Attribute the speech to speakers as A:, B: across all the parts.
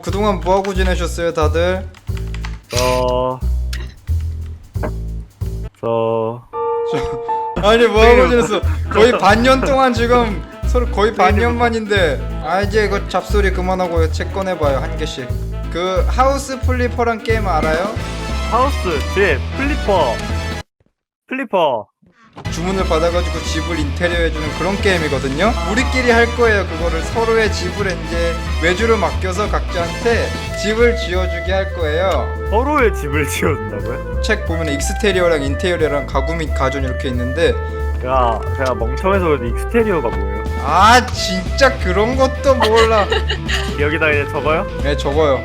A: 그동안 뭐하고 지내셨어요 다들? 아니 뭐하고 지냈어? 거의 반년 동안 지금 서로 거의 반년 만인데. 아 이제 그 잡소리 그만하고 책 꺼내봐요 한 개씩. 그 하우스 플리퍼란 게임 알아요?
B: 하우스, 집, 플리퍼.
A: 주문을 받아가지고 집을 인테리어 해주는 그런 게임이거든요. 우리끼리 할 거예요. 그거를 서로의 집을 이제 외주를 맡겨서 각자한테 집을 지어주게 할 거예요.
B: 서로의 집을 지어준다고요?
A: 책 보면 익스테리어랑 인테리어랑 가구 및 가전 이렇게 있는데.
B: 제가 멍청해서 그런데 익스테리어가 뭐예요?
A: 아 진짜 그런 것도 몰라.
B: 여기다 그냥 적어요?
A: 네 적어요.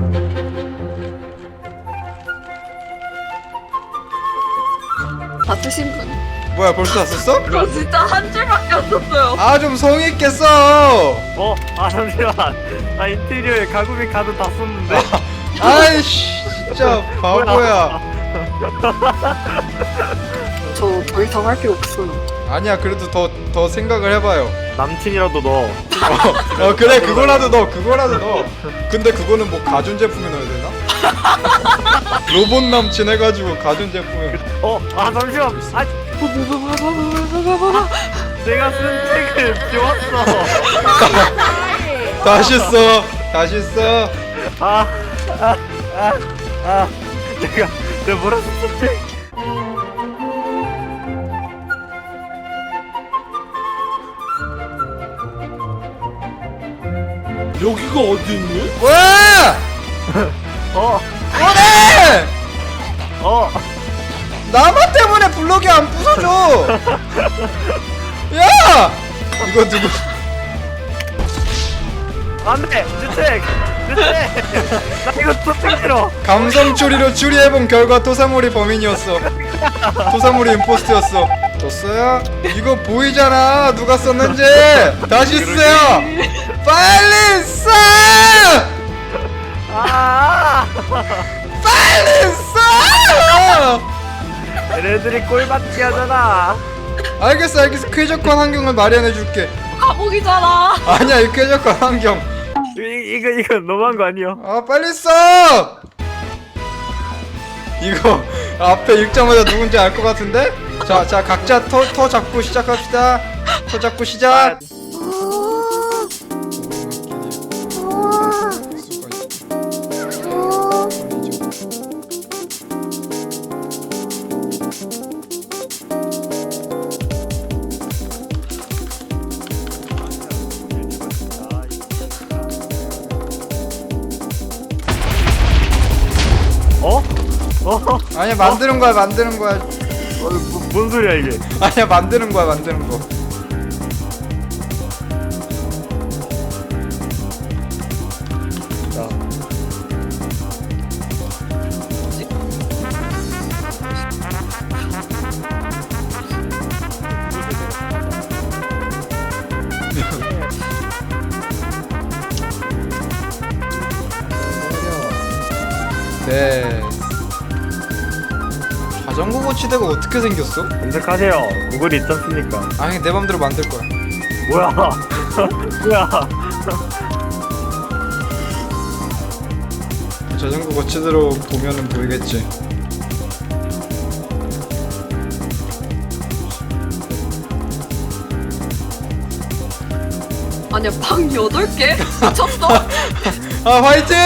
C: 다 쓰신 분?
A: 뭐야 벌써 다 썼어?
C: 저 진짜 한 줄밖에 안 썼어요.
A: 아 좀 성의 있게 써.
B: 잠시만. 인테리어에 가구 및 가전 다 썼는데.
A: 아이씨 진짜 바보야.
C: 저 더 이상 할 게 없어요.
A: 아니야 그래도 더 생각을 해봐요.
B: 남친이라도 넣어.
A: 그래 그거라도 넣어. 근데 그거는 뭐 가전제품에 넣어야 되나? 로봇 남친 해가지고 가전제품에.
B: 잠시만. 내가 쓴 책을 지웠어.
A: 다시 써.
B: 내가 뭐라 썼지?
D: 여기가 어디니?
A: 뭐야? 뭐래? 나만 때문에 블록이 안 부서져. 야! 이거 누구?
B: 안돼! 내 책! 나 이거 또 책 싫어!
A: 감성 추리로 추리해본 결과 토사모리 범인이었어. 토사모리 임포스트였어. 줬어요? 이거 보이잖아 누가 썼는지. 다시 쓰세요. 빨리 써! 빨리 써!
B: 얘네들이 꼴받기 하잖아.
A: 알겠어 쾌적한 환경을 마련해줄게.
C: 감옥이잖아.
A: 아니야 이 쾌적한 환경.
B: 이거 너무한 거 아니야?
A: 빨리 써! 이거 앞에 읽자마자 누군지 알 것 같은데? 자 각자 터 잡고 시작합시다. 터 잡고 시작. 아니야 만드는 거야.
B: 뭔 소리야 이게?
A: 아니야 만드는 거. 자. 네. 자전거 고치대가 어떻게 생겼어?
B: 검색하세요. 구글이 있지 않습니까?
A: 아니 내 맘대로 만들 거야.
B: 뭐야? 뭐야?
A: 자전거 고치대로 보면은 보이겠지.
C: 아니야 방 8개? 미쳤어?
A: 화이팅!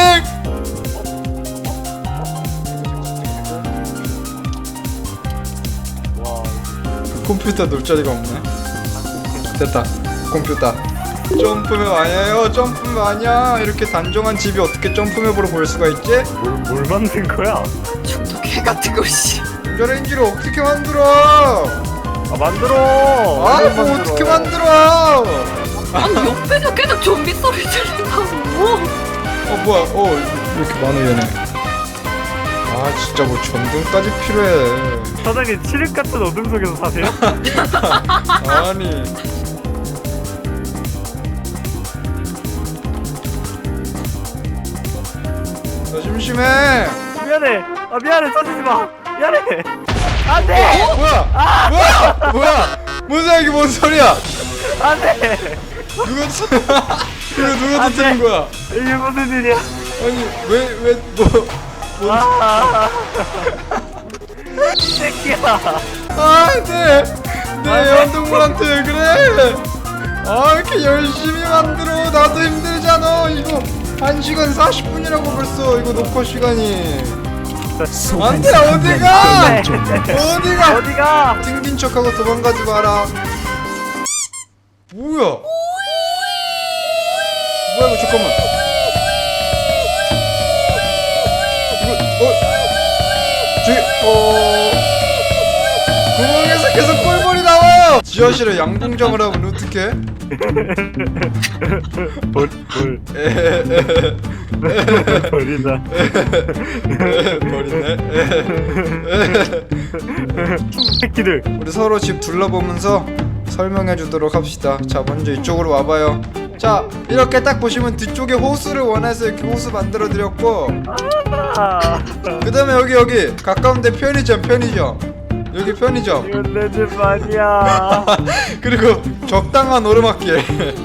A: 컴퓨터 놀 자리가 없네. 됐다. 컴퓨터. 점프맵 아니에요. 점프맵 아니야. 이렇게 단정한 집이 어떻게 점프맵으로 보일 수가 있지?
B: 뭘 만든 거야?
C: 중도 개 같은 거 씨.
A: 전자레인지를 어떻게 만들어?
B: 만들어.
A: 뭐 어떻게 만들어?
C: 아니 옆에서 계속 좀비 소리 들린다고.
A: 뭐야? 이렇게 많아 얘네. 아 진짜 뭐 전등까지 필요해.
B: 사장님 칠흑 같은 어둠 속에서 사세요?
A: 아니. 나 심심해.
B: 미안해 써주지 마. 미안해. 안돼.
A: 뭐야? 뭔 소리야 이게 뭔 소리야?
B: 안돼.
A: 이거 누가 터뜨린 거야?
B: 이게 무슨 일이야?
A: 아니 왜뭐
B: 아, 이 새끼야.
A: 내 애완동물한테 왜 그래? 아 이렇게 열심히 만들어 나도 힘들잖아. 이거 1시간 40분이라고 벌써 이거 녹화 시간이. 안돼 어디가? 어디가?
B: 어디가?
A: 튕긴 척하고 도망가지 마라. 뭐야? 뭐야 이거 잠깐만. 이거 저기 구멍에서 계속 꿀벌이 나와요. 지하실에 양궁장을 하면 어떡해?
B: 볼. 버리다.
A: 버리네.
B: 새끼들.
A: 우리 서로 집 둘러보면서 설명해 주도록 합시다. 자 먼저 이쪽으로 와봐요. 자 이렇게 딱 보시면 뒤쪽에 호수를 원해서 이렇게 호수 만들어 드렸고,
B: 아,
A: 그 다음에 여기 가까운데 편의점 여기 편의점
B: 이건 내 집 아니야.
A: 그리고 적당한 오르막길.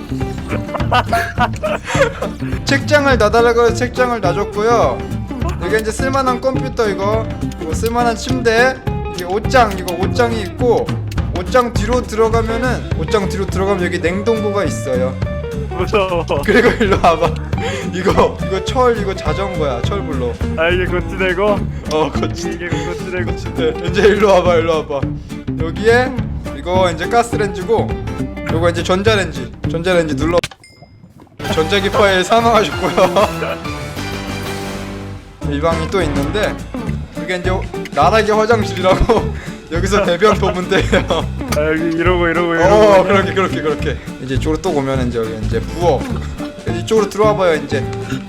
A: 책장을 놔달라고 해서 책장을 놔줬고요. 여기 이제 쓸만한 컴퓨터 이거 쓸만한 침대, 이게 옷장이 있고, 옷장 뒤로 들어가면 여기 냉동고가 있어요.
B: 무서워.
A: 그리고 일로 와봐. 이거 철 이거 자전거야. 철불로.
B: 아, 이게 고치내고?
A: 거치.
B: 이게 고치내고.
A: 네, 이제 일로 와봐. 여기에 이거 이제 가스레인지고, 요거 이제 전자레인지 눌러. 전자기파에 사망하셨고요. 이 방이 또 있는데, 이게 이제 나락의 화장실이라고. 여기서 배변 보면 돼요.
B: 아, 여기 이러고.
A: 그렇게. 이제 이쪽으로 또 오면 이제 여기 이제 부엌. 이쪽으로 들어와봐요 이제.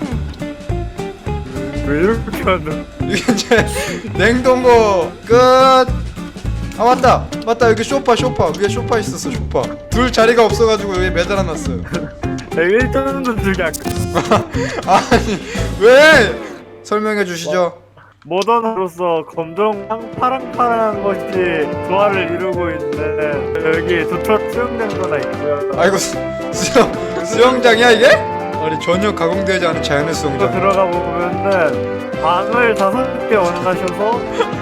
B: 왜 이렇게 하는?
A: 이게 이제 냉동고 끝. 아 맞다 여기 소파 위에 소파 있었어. 소파 둘 자리가 없어가지고 여기 매달아놨어요.
B: 일단은 저기
A: 아니 왜? 설명해 주시죠.
B: 모던으로서 검정 파랑파랑한 것이 조화를 이루고 있는데, 여기 도트럭 수영장도 하나 있고요.
A: 아이고 수영장이야 이게? 아니 전혀 가공되지 않은 자연의
B: 또
A: 수영장.
B: 들어가 보면은 방을 5개 원하셔서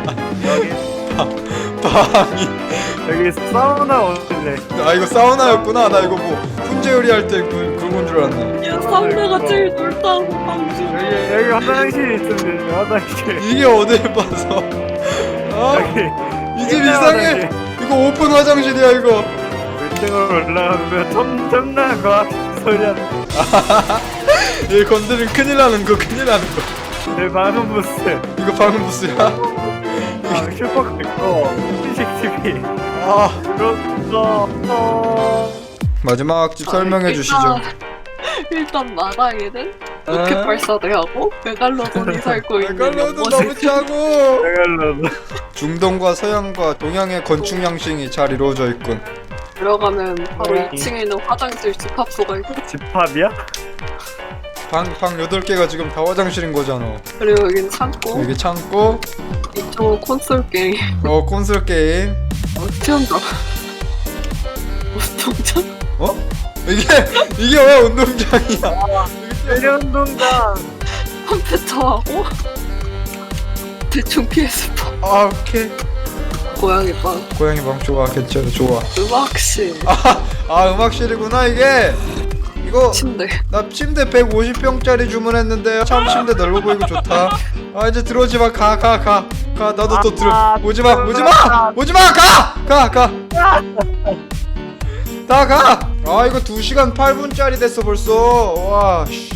A: 방이
B: 여기 사우나 원래.
A: 아 이거 사우나였구나. 나 이거 뭐 훈제 요리할 때 그건 줄 알았네.
C: 야 사우나가 제일 넓다고 방송.
B: 여기 화장실이 있는데, 화장실.
A: 이게 어딜 봐서. 아
B: 여기
A: 이 집 이상해. 이거 오픈 화장실이야 이거.
B: 1층으로 올라가면 엄청난 과학 소리야.
A: 얘 건드리면 큰일 나는 거.
B: 내 방음 부스.
A: 이거 방음 부스야?
B: 아, 슈퍼카 있고 CCTV.
A: 아
B: 그렇어.
A: 마지막 집 설명해 주시죠.
C: 일단 마당에는 로켓 발사대하고 메갈로돈이 살고 있는
A: 메갈로돈
C: 연못에
A: 너무 짜고.
B: 내가
A: 중동과 서양과 동양의 건축 양식이 잘 이루어져 있군.
C: 들어가면 바로 2층에 있는 화장실 집합소가 있고,
B: 집합이야?
A: 방 8개가 지금 다 화장실인 거잖아.
C: 그리고 여긴 창고,
A: 여기 창고,
C: 이쪽은 콘솔 게임,
A: 콘솔 게임.
C: 수영장. 운동장?
A: 이게 왜 운동장이야?
B: 내려운동장.
C: 컴퓨터하고 대충 PS4,
A: 아 오케이.
C: 고양이 방,
A: 고양이 방 좋아. 괜찮아 좋아.
C: 음악실,
A: 음악실이구나 이게. 이거
C: 침대.
A: 나 침대 150평짜리 주문했는데요. 참 침대 넓어 보이고 좋다. 아 이제 들어오지 마. 가. 나도 또 들어. 오지 마. 가. 다 가. 아 이거 2시간 8분짜리 됐어 벌써. 와 씨.